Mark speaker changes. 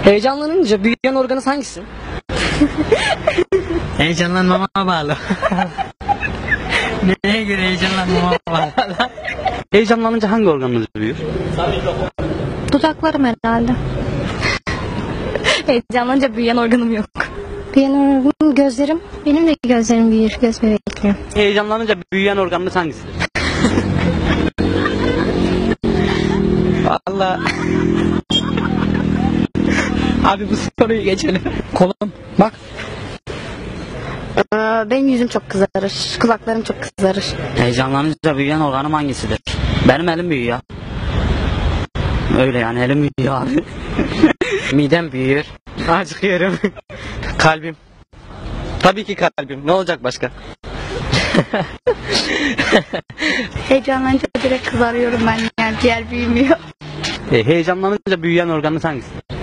Speaker 1: Heyecanlanınca büyüyen organınız hangisi?
Speaker 2: Heyecanlanmama bağlı. Neye göre heyecanlanmama bağlı?
Speaker 1: Heyecanlanınca hangi organınız büyür?
Speaker 3: Dudaklarım herhalde.
Speaker 4: Heyecanlanınca büyüyen organım yok.
Speaker 3: Büyüyen organım gözlerim. Benim de gözlerim büyür. Göz bebeklerim.
Speaker 1: Heyecanlanınca büyüyen organınız hangisidir?
Speaker 2: Vallahi. Abi bu soruyu geçelim.
Speaker 1: Kolum. Bak.
Speaker 4: Benim yüzüm çok kızarır. Kulaklarım çok kızarır.
Speaker 1: Heyecanlanınca büyüyen organım hangisidir? Benim elim büyüyor. Öyle yani elim büyüyor abi.
Speaker 2: Midem büyüyor. Acıkıyorum.
Speaker 1: Kalbim. Tabii ki kalbim. Ne olacak başka?
Speaker 4: Heyecanlanınca direkt kızarıyorum ben, yani ciğer büyümüyor.
Speaker 1: Heyecanlanınca büyüyen organınız hangisidir?